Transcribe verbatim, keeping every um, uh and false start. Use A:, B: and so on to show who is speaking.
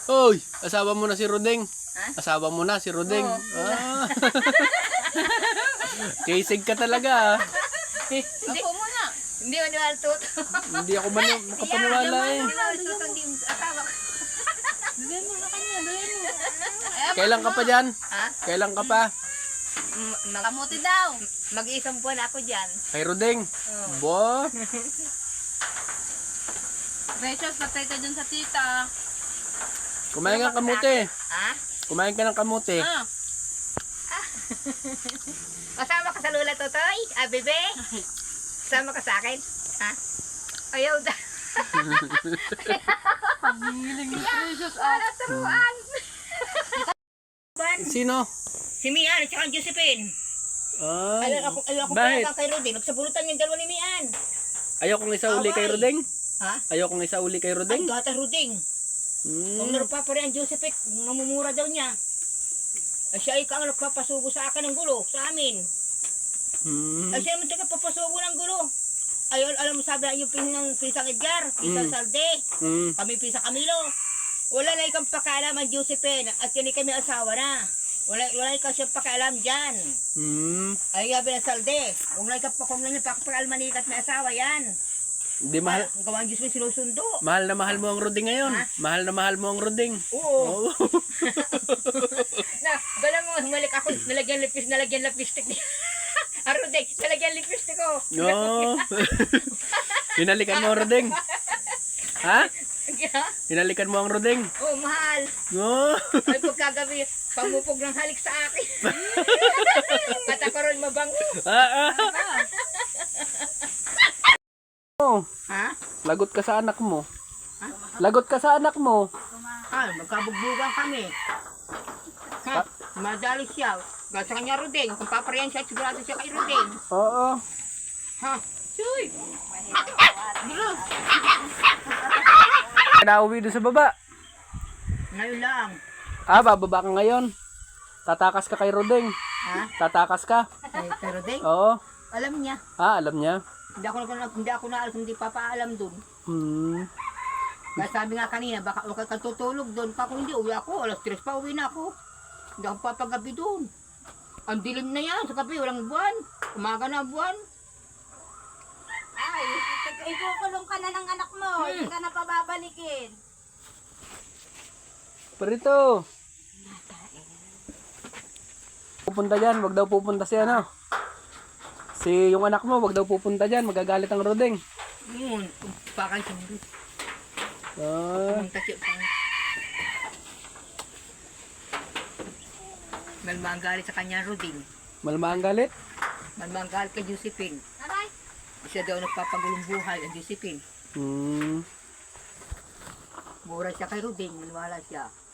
A: Hoy, asawa mo na si Rodeng.
B: Ha?
A: Asawa mo na si Rodeng.
B: Oo.
A: Ah. Kisig ka talaga ah.
B: Ako muna. Hindi mo niwala tuto.
A: Hindi ako man makapaniwala eh.
B: Hindi mo tuto, hindi mo asawa ko.
C: Dugay mo na kanya, dugay mo.
A: Kailan ka pa dyan?
B: Ha?
A: Kailan ka pa?
B: M- mag-
C: Kamuti daw.
B: Mag-iisang buwan ako dyan.
A: Kay Rodeng.
B: Oo.
A: Bo.
C: Precious, patay ka dyan sa tita.
A: Kumain ka ng kamuti.
B: Ha?
A: Kumain ka ng kamuti.
C: Ah,
B: Kasama ka sa lula, Totoy? Ah, bebe? Kasama ka sa akin? Ha? Ayaw da.
C: paghiling ni Precious. Ah,
B: Para turuan.
A: Sino?
B: Si Mian at saka ang Josephine.
A: Ah,
B: Ayaw ako, ayaw ako
A: bakit?
B: pala kay Rudy. Nagsabulutan yung dalawa ni Mian.
A: Ayaw kong isa uli kay
B: Away.
A: Rodeng.
B: Ha?
A: Ayaw kong isa uli kay
B: Ay,
A: Rodeng.
B: gata Ruding. Kung
A: Hmm.
B: narupa pa rin ang Josephine, mamumura daw niya. Ay, siya ay kang nagpapasubo sa akin ng gulo, sa amin.
A: Hmm.
B: Ay, siya naman taga papasubo ng gulo. Ay, al- alam mo sabi yung pinang pisang Edgar, pisang
A: Mm.
B: Salde,
A: Hmm.
B: kami pisang Camilo. Wala na ikang pakialam ang Josephine at kini kami asawa na. Wala, wala ikaw siyang pakialam dyan.
A: Hmm.
B: Ay, gabi ng Salde. Kung na ikaw pa, kung na niya pakialam manikat may asawa yan.
A: Hindi mahal.
B: Ang gawang Diyos may sinusundo.
A: Mahal na mahal mo ang Rodeng ngayon.
B: Ha?
A: Mahal na mahal mo ang Rodeng.
B: Oo.
A: Oo.
B: Na, bala mo, humalik ako, nalagyan lipis, nalagyan lipstick niya. Arudek, nalagyan lipstick ko.
A: No. Hinalikan mo ang Rodeng. Ha?
B: Ha?
A: Hinalikan mo ang Rodeng.
B: Oh, mahal.
A: No.
B: Ay, pagkagabi, pamupog ng halik sa akin. At ako rin mabango.
A: Ah, ah. Oh,
B: Ha?
A: lagot ka sa anak mo. Lagot ka sa anak mo.
B: Ah, magkabugbugan kami. Ha? Madali siya. Gasa kanya Rudeng. Kung paparayan siya, sigurado siya kay Rudeng.
A: Oo.
B: Ha? Chuy!
A: Nauwi doon sa baba.
B: Ngayon lang.
A: Ah, bababa ka ngayon. Tatakas ka kay Rodeng.
B: Ha?
A: Tatakas ka.
B: Kay, kay Rudeng?
A: Oo.
B: Alam niya.
A: Ah, alam niya.
B: Hindi ako, na, hindi ako na alam, hindi papaalam dun.
A: Hmm.
B: Kaya sabi nga kanina, baka huwag kang tutulog doon. Pa kung hindi, uwi ako. Alas tres pa, uwi na ako. Hindi ako papagabi doon. Ang dilim na yan sa gabi, walang buwan. Umaga na ang buwan.
C: Ay, ikukulong ka na ng anak mo. Hindi ka na pababalikin.
A: Parito. Pupunta dyan, wag daw pupunta si ano. Si yung anak mo, wag daw pupunta dyan, magagalit ang Rodeng.
B: Yun, pakay siya.
A: Ah,
B: Pumunta siya. Malmang galit sa kanya, Ruding.
A: malma ang galit.
B: Malmang galit kay Josephine.
C: Aray.
B: Siya daw nagpapagulong buhay ang Josephine.
A: Hmm.
B: Mura siya kay Ruding, maniwala siya.